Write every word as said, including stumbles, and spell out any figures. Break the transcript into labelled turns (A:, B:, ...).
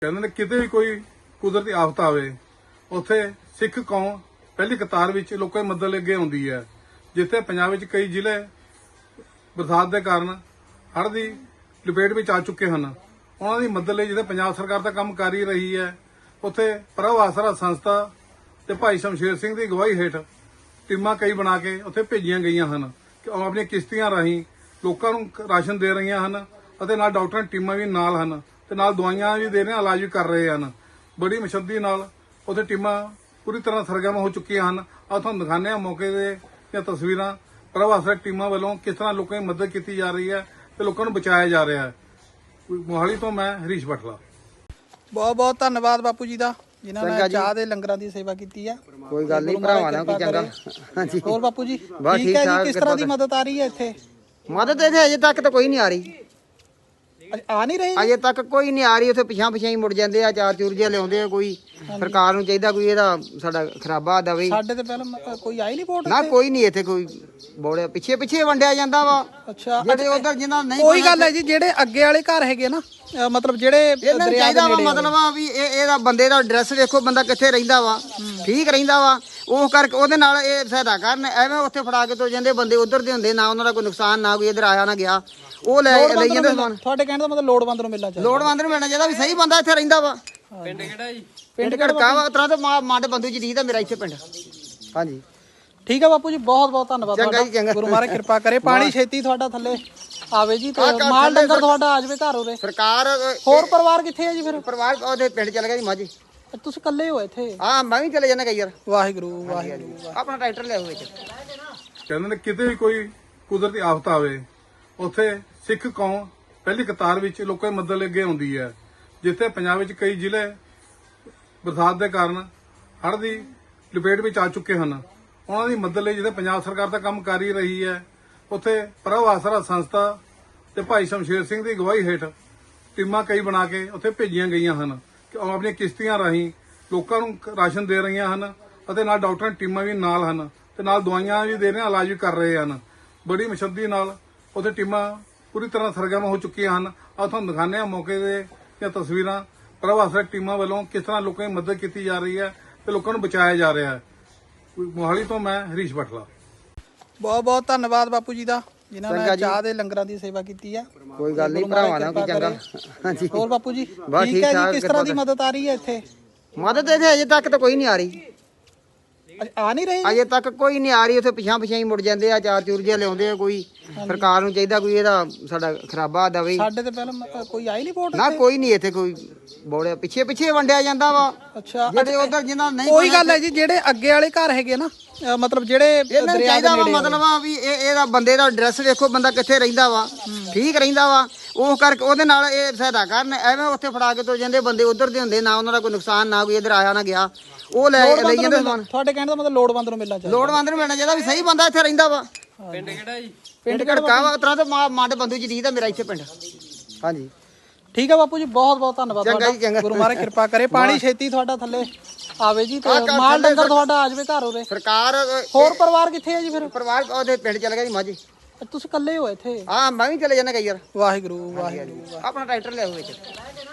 A: ਕਹਿੰਦੇ ਨੇ ਕਿਤੇ ਵੀ ਕੋਈ ਕੁਦਰਤੀ ਆਫਤ ਆਵੇ ਉੱਥੇ ਸਿੱਖ ਕੌਮ ਪਹਿਲੀ ਕਤਾਰ ਵਿੱਚ ਲੋਕਾਂ ਦੀ ਮਦਦ ਲਈ ਅੱਗੇ ਆਉਂਦੀ ਹੈ। ਜਿੱਥੇ ਪੰਜਾਬ ਵਿੱਚ ਕਈ ਜ਼ਿਲ੍ਹੇ ਬਰਸਾਤ ਦੇ ਕਾਰਨ ਹੜ੍ਹ ਦੀ ਲਪੇਟ ਵਿੱਚ ਆ ਚੁੱਕੇ ਹਨ, ਉਹਨਾਂ ਦੀ ਮਦਦ ਲਈ ਜਿੱਥੇ ਪੰਜਾਬ ਸਰਕਾਰ ਦਾ ਕੰਮ ਕਰ ਹੀ ਰਹੀ ਹੈ, ਉੱਥੇ ਪ੍ਰਭ ਆਸਰਾ ਸੰਸਥਾ ਤੇ ਭਾਈ ਸ਼ਮਸ਼ੇਰ ਸਿੰਘ ਦੀ ਅਗਵਾਈ ਹੇਠ ਟੀਮਾਂ ਕਈ ਬਣਾ ਕੇ ਉੱਥੇ ਭੇਜੀਆਂ ਗਈਆਂ ਹਨ ਕਿ ਉਹ ਆਪਣੀਆਂ ਕਿਸ਼ਤੀਆਂ ਰਾਹੀਂ ਲੋਕਾਂ ਨੂੰ ਰਾਸ਼ਨ ਦੇ ਰਹੀਆਂ ਹਨ ਅਤੇ ਨਾਲ ਡਾਕਟਰਾਂ ਦੀਆਂ ਟੀਮਾਂ ਵੀ ਨਾਲ ਹਨ ਤੇ ਨਾਲ ਦਵਾਈਆਂ ਵੀ ਦੇ ਰਹੇ ਹਨ, ਇਲਾਜ ਵੀ ਕਰ ਰਹੇ ਹਨ। ਬੜੀ ਮੁਸ਼ੱਦਤ ਨਾਲ ਉੱਥੇ ਟੀਮਾਂ ਪੂਰੀ ਤਰ੍ਹਾਂ ਸਰਗਰਮ ਹੋ ਚੁੱਕੀਆਂ ਹਨ। ਆ ਤੁਹਾਨੂੰ ਦਿਖਾਉਂਦੇ ਹਾਂ ਮੌਕੇ ਦੇ ਦੀਆਂ ਤਸਵੀਰਾਂ। ਪ੍ਰਭ ਆਸਰਾ ਟੀਮਾਂ ਵੱਲੋਂ ਕਿਸ ਤਰ੍ਹਾਂ ਲੋਕਾਂ ਦੀ ਮਦਦ ਕੀਤੀ ਜਾ ਰਹੀ ਹੈ ਤੇ ਲੋਕਾਂ ਨੂੰ ਬਚਾਇਆ ਜਾ ਰਿਹਾ ਹੈ। ਮੋਹਾਲੀ ਤੋਂ ਮੈਂ ਹਰੀਸ਼ ਬਟਲਾ।
B: ਬਹੁਤ ਬਹੁਤ ਧੰਨਵਾਦ ਬਾਪੂ ਜੀ ਦਾ, ਜਿਨ੍ਹਾਂ ਨੇ ਚਾਹ ਦੇ ਲੰਗਰਾਂ ਦੀ ਸੇਵਾ ਕੀਤੀ ਆ।
C: ਕੋਈ ਗੱਲ ਨਹੀਂ ਭਰਾਵਾਂ ਨਾਲ, ਕੋਈ ਚੰਗਾ। ਹਾਂਜੀ
B: ਹੋਰ ਬਾਪੂ ਜੀ ਠੀਕ ਹੈ ਜੀ, ਕਿਸ ਤਰ੍ਹਾਂ ਦੀ ਮਦਦ ਆ ਰਹੀ ਹੈ ਇੱਥੇ?
C: ਮਦਦ ਇੱਥੇ ਅਜੇ ਤੱਕ ਤਾਂ ਕੋਈ ਨਹੀਂ ਆ ਰਹੀ,
B: ਆ ਨਹੀਂ ਰਹੀ
C: ਅਜੇ ਤੱਕ ਕੋਈ ਨਹੀਂ ਆ ਰਹੀ। ਉੱਥੇ ਪਿਛਾਂ ਪਿਛਾਂ ਹੀ ਮੁੜ ਜਾਂਦੇ ਆ, ਚਾਰ ਚੂਰ ਜਿਹਾ ਲਿਆਉਂਦੇ ਆ। ਕੋਈ ਸਰਕਾਰ ਨੂੰ ਚਾਹੀਦਾ ਕੋਈ ਇਹਦਾ ਸਾਡਾ ਖਰਾਬਾ ਦਵੇ।
B: ਸਾਡੇ ਤੇ ਪਹਿਲਾਂ ਕੋਈ ਆਈ ਨਹੀਂ ਵੋਟ
C: ਨਾ, ਕੋਈ ਨਹੀਂ ਇੱਥੇ ਕੋਈ ਬੋੜਿਆ, ਪਿੱਛੇ ਪਿੱਛੇ ਵੰਡਿਆ ਜਾਂਦਾ ਵਾ।
B: ਅੱਛਾ,
C: ਜਿਹੜੇ ਉਧਰ ਜਿਨ੍ਹਾਂ ਨਹੀਂ
B: ਕੋਈ ਗੱਲ ਹੈ ਜੀ, ਜਿਹੜੇ ਅੱਗੇ ਵਾਲੇ ਘਰ ਹੈਗੇ ਨਾ, ਮਤਲਬ ਜਿਹੜੇ
C: ਇਹਨਾਂ ਨੂੰ ਚਾਹੀਦਾ ਵਾ, ਮਤਲਬ ਆ ਵੀ ਇਹ ਇਹਦਾ ਬੰਦੇ ਦਾ ਐਡਰੈਸ ਵੇਖੋ, ਬੰਦਾ ਕਿੱਥੇ ਰਹਿੰਦਾ ਵਾ, ਠੀਕ ਰਹਿੰਦਾ ਵਾ, ਉਹ ਕਰਕੇ ਉਹਦੇ ਨਾਲ ਇਹ ਸਹਾਇਤਾ ਕਰਨ। ਐਵੇਂ ਉੱਥੇ ਫੜਾ ਕੇ ਤੋ ਜਾਂਦੇ ਬੰਦੇ ਉਧਰ ਦੇ ਹੁੰਦੇ, ਨਾ ਉਹਨਾਂ ਦਾ ਕੋਈ ਨੁਕਸਾਨ, ਨਾ ਕੋਈ ਇਧਰ ਆਇਆ ਨਾ ਗਿਆ, ਉਹ ਲੈ ਲਈ ਜਾਂਦੇ ਸਮਾਨ।
B: ਤੁਹਾਡੇ ਕਹਿਣ ਦਾ ਮਤਲਬ ਲੋੜਵੰਦ ਨੂੰ ਮਿਲਣਾ ਚਾਹੀਦਾ,
C: ਲੋੜਵੰਦ ਨੂੰ ਮਿਲਣਾ ਚਾਹੀਦਾ ਵੀ ਸਹੀ ਬੰਦਾ ਇੱਥੇ ਰਹਿੰਦਾ ਵਾ।
B: ਪਿੰਡ ਕਿਹੜਾ ਜੀ?
C: ਪਿੰਡ ਘੜਕਾ ਵਾ, ਤਰ੍ਹਾਂ ਤੇ ਮਾਂ ਦੇ ਬੰਦੂ ਜੀ ਦੀ ਦਾ ਮੇਰਾ ਇੱਥੇ ਪਿੰਡ। ਹਾਂਜੀ
B: ਠੀਕ ਹੈ ਬਾਪੂ ਜੀ, ਬਹੁਤ ਬਹੁਤ ਧੰਨਵਾਦ
C: ਚੰਗਾ ਜੀ, ਚੰਗਾ।
B: ਗੁਰੂ ਮਹਾਰਾਜ ਕਿਰਪਾ ਕਰੇ, ਪਾਣੀ ਛੇਤੀ ਤੁਹਾਡਾ ਥੱਲੇ ਆਵੇ ਜੀ, ਤੇ ਮਾਲ ਡੰਗਰ ਤੁਹਾਡਾ ਆ ਜਾਵੇ ਘਰ ਉਰੇ।
C: ਸਰਕਾਰ
B: ਹੋਰ ਪਰਿਵਾਰ ਕਿੱਥੇ ਹੈ ਜੀ ਫਿਰ?
C: ਪਰਿਵਾਰ ਉਹਦੇ ਪਿੰਡ ਚਲ ਗਿਆ ਜੀ ਮਾਝੀ।
B: ਤੁਸੀਂ ਇਕੱਲੇ ਹੋ ਇੱਥੇ?
C: ਹਾਂ, ਮੈਂ ਵੀ ਚਲੇ ਜਾਣਾ ਕਈ ਯਾਰ।
B: ਵਾਹਿਗੁਰੂ ਵਾਹਿਗੁਰੂ।
C: ਆਪਣਾ ਟਰੈਕਟਰ ਲਿਆਓ ਵਿੱਚ।
A: ਕਹਿੰਦੇ ਨੇ ਕਿਤੇ ਵੀ ਕੋਈ ਕੁਦਰਤੀ ਆਫਤ ਆਵੇ ਉੱਥੇ ਸਿੱਖ ਕੌਮ ਪਹਿਲੀ ਕਤਾਰ ਵਿੱਚ ਲੋਕਾਂ ਦੀ ਮਦਦ ਲਈ ਅੱਗੇ ਆਉਂਦੀ ਹੈ। ਜਿੱਥੇ ਪੰਜਾਬ ਵਿੱਚ ਕਈ ਜ਼ਿਲ੍ਹੇ ਬਰਸਾਤ ਦੇ ਕਾਰਨ ਹੜ੍ਹ ਦੀ ਲਪੇਟ ਵਿੱਚ ਆ ਚੁੱਕੇ ਹਨ, ਉਹਨਾਂ ਦੀ ਮਦਦ ਲਈ ਜਿੱਥੇ ਪੰਜਾਬ ਸਰਕਾਰ ਦਾ ਕੰਮ ਕਰ ਹੀ ਰਹੀ ਹੈ, ਉੱਥੇ ਪ੍ਰਭ ਆਸਰਾ ਸੰਸਥਾ ਤੇ ਭਾਈ ਸ਼ਮਸ਼ੇਰ ਸਿੰਘ ਦੀ ਅਗਵਾਈ ਹੇਠ ਟੀਮਾਂ ਕਈ ਬਣਾ ਕੇ ਉੱਥੇ ਭੇਜੀਆਂ ਗਈਆਂ ਹਨ ਕਿ ਉਹ ਆਪਣੀਆਂ ਕਿਸ਼ਤੀਆਂ ਰਾਹੀਂ ਲੋਕਾਂ ਨੂੰ ਰਾਸ਼ਨ ਦੇ ਰਹੀਆਂ ਹਨ ਅਤੇ ਨਾਲ ਡਾਕਟਰਾਂ ਦੀਆਂ ਟੀਮਾਂ ਵੀ ਨਾਲ ਹਨ ਤੇ ਨਾਲ ਦਵਾਈਆਂ ਵੀ ਦੇ ਰਹੇ ਹਨ, ਇਲਾਜ ਵੀ ਕਰ ਰਹੇ ਹਨ। ਬੜੀ ਮੁਸ਼ੱਦਤ ਨਾਲ ਉੱਥੇ ਟੀਮਾਂ ਪੂਰੀ ਤਰ੍ਹਾਂ ਸਰਗਰਮ ਹੋ ਚੁੱਕੀਆਂ ਹਨ। ਆ ਤੁਹਾਨੂੰ ਦਿਖਾਉਂਦੇ ਹਾਂ ਮੌਕੇ ਦੇ ਦੀਆਂ ਤਸਵੀਰਾਂ। ਪ੍ਰਭ ਆਸਰਾ ਟੀਮਾਂ ਵੱਲੋਂ ਕਿਸ ਤਰ੍ਹਾਂ ਲੋਕਾਂ ਦੀ ਮਦਦ ਕੀਤੀ ਜਾ ਰਹੀ ਹੈ ਤੇ ਲੋਕਾਂ ਨੂੰ ਬਚਾਇਆ ਜਾ ਰਿਹਾ ਹੈ। ਮੋਹਾਲੀ ਤੋਂ ਮੈਂ ਹਰੀਸ਼ ਬਟਲਾ।
B: ਬਹੁਤ ਬਹੁਤ ਧੰਨਵਾਦ ਬਾਪੂ ਜੀ ਦਾ, ਜਿਨ੍ਹਾਂ ਨੇ ਚਾਹ ਦੇ ਲੰਗਰਾਂ ਦੀ ਸੇਵਾ ਕੀਤੀ ਆ।
C: ਕੋਈ ਗੱਲ ਨਹੀਂ ਭਰਾਵਾਂ ਨਾਲ, ਕੋਈ ਚੰਗਾ। ਹਾਂਜੀ
B: ਹੋਰ ਬਾਪੂ ਜੀ ਠੀਕ ਹੈ ਜੀ, ਕਿਸ ਤਰ੍ਹਾਂ ਦੀ ਮਦਦ ਆ ਰਹੀ ਹੈ ਇੱਥੇ?
C: ਮਦਦ ਇੱਥੇ ਅਜੇ ਤੱਕ ਤਾਂ ਕੋਈ ਨਹੀਂ ਆ ਰਹੀ,
B: ਆ ਨਹੀਂ ਰਹੀ
C: ਅਜੇ ਤੱਕ ਕੋਈ ਨਹੀਂ ਆ ਰਹੀ। ਉੱਥੇ ਪਿਛਾਂ ਪਿਛਾਂ ਹੀ ਮੁੜ ਜਾਂਦੇ ਆ, ਚਾਰ ਚੂਰ ਜਿਹਾ ਲਿਆਉਂਦੇ ਆ। ਕੋਈ ਸਰਕਾਰ ਨੂੰ ਚਾਹੀਦਾ ਕੋਈ ਇਹਦਾ ਸਾਡਾ ਖਰਾਬਾ ਦਵੇ।
B: ਸਾਡੇ ਤੇ ਪਹਿਲਾਂ ਕੋਈ ਆਈ ਨਹੀਂ ਵੋਟ
C: ਨਾ, ਕੋਈ ਨਹੀਂ ਇੱਥੇ ਕੋਈ ਬੋੜਿਆ, ਪਿੱਛੇ ਪਿੱਛੇ ਵੰਡਿਆ ਜਾਂਦਾ ਵਾ।
B: ਅੱਛਾ,
C: ਜਿਹੜੇ ਉਧਰ ਜਿਨ੍ਹਾਂ ਨਹੀਂ
B: ਕੋਈ ਗੱਲ ਹੈ ਜੀ, ਜਿਹੜੇ ਅੱਗੇ ਵਾਲੇ ਘਰ ਹੈਗੇ ਨਾ, ਮਤਲਬ ਜਿਹੜੇ
C: ਇਹਨਾਂ ਨੂੰ ਚਾਹੀਦਾ ਵਾ, ਮਤਲਬ ਆ ਵੀ ਇਹ ਇਹਦਾ ਬੰਦੇ ਦਾ ਐਡਰੈਸ ਵੇਖੋ, ਬੰਦਾ ਕਿੱਥੇ ਰਹਿੰਦਾ ਵਾ, ਠੀਕ ਰਹਿੰਦਾ ਵਾ, ਉਹ ਕਰਕੇ ਉਹਦੇ ਨਾਲ ਇਹ ਸਹਾਇਤਾ ਕਰਨ। ਐਵੇਂ ਉੱਥੇ ਫੜਾ ਕੇ ਤੋ ਜਾਂਦੇ ਬੰਦੇ ਉਧਰ ਦੇ ਹੁੰਦੇ, ਨਾ ਉਹਨਾਂ ਦਾ ਕੋਈ ਨੁਕਸਾਨ, ਨਾ ਕੋਈ ਇਧਰ ਆਇਆ ਨਾ ਗਿਆ, ਉਹ ਲੈ ਲਈ ਜਾਂਦੇ ਸਮਾਨ।
B: ਤੁਹਾਡੇ ਕਹਿਣ ਦਾ ਮਤਲਬ ਲੋੜਵੰਦ ਨੂੰ ਮਿਲਣਾ ਚਾਹੀਦਾ,
C: ਲੋੜਵੰਦ ਨੂੰ ਮਿਲਣਾ ਚਾਹੀਦਾ ਵੀ ਸਹੀ ਬੰਦਾ ਇੱਥੇ ਰਹਿੰਦਾ ਵਾ।
B: ਪਿੰਡ ਕਿਹੜਾ ਜੀ?
C: ਪਿੰਡ ਘੜਕਾ ਵਾ, ਤਰ੍ਹਾਂ ਤੇ ਮਾਂ ਦੇ ਬੰਦੂ ਜੀ ਦੀ ਦਾ ਮੇਰਾ ਇੱਥੇ ਪਿੰਡ। ਹਾਂਜੀ
B: ਠੀਕ ਹੈ ਬਾਪੂ ਜੀ, ਬਹੁਤ ਬਹੁਤ ਧੰਨਵਾਦ
C: ਚੰਗਾ ਜੀ, ਚੰਗਾ।
B: ਗੁਰੂ ਮਹਾਰਾਜ ਕਿਰਪਾ ਕਰੇ, ਪਾਣੀ ਛੇਤੀ ਤੁਹਾਡਾ ਥੱਲੇ ਆਵੇ ਜੀ, ਤੇ ਮਾਲ ਡੰਗਰ ਤੁਹਾਡਾ ਆ ਜਾਵੇ ਘਰ ਉਰੇ।
C: ਸਰਕਾਰ
B: ਹੋਰ ਪਰਿਵਾਰ ਕਿੱਥੇ ਹੈ ਜੀ ਫਿਰ?
C: ਪਰਿਵਾਰ ਉਹਦੇ ਪਿੰਡ ਚਲ ਗਿਆ ਜੀ ਮਾਝੀ।
B: ਤੁਸੀਂ ਇਕੱਲੇ ਹੋ ਇੱਥੇ?
C: ਹਾਂ, ਮੈਂ ਵੀ ਚਲੇ ਜਾਣਾ ਕਈ ਯਾਰ।
B: ਵਾਹਿਗੁਰੂ ਵਾਹਿਗੁਰੂ।
C: ਆਪਣਾ ਟਰੈਕਟਰ ਲਿਆਓ ਵਿੱਚ।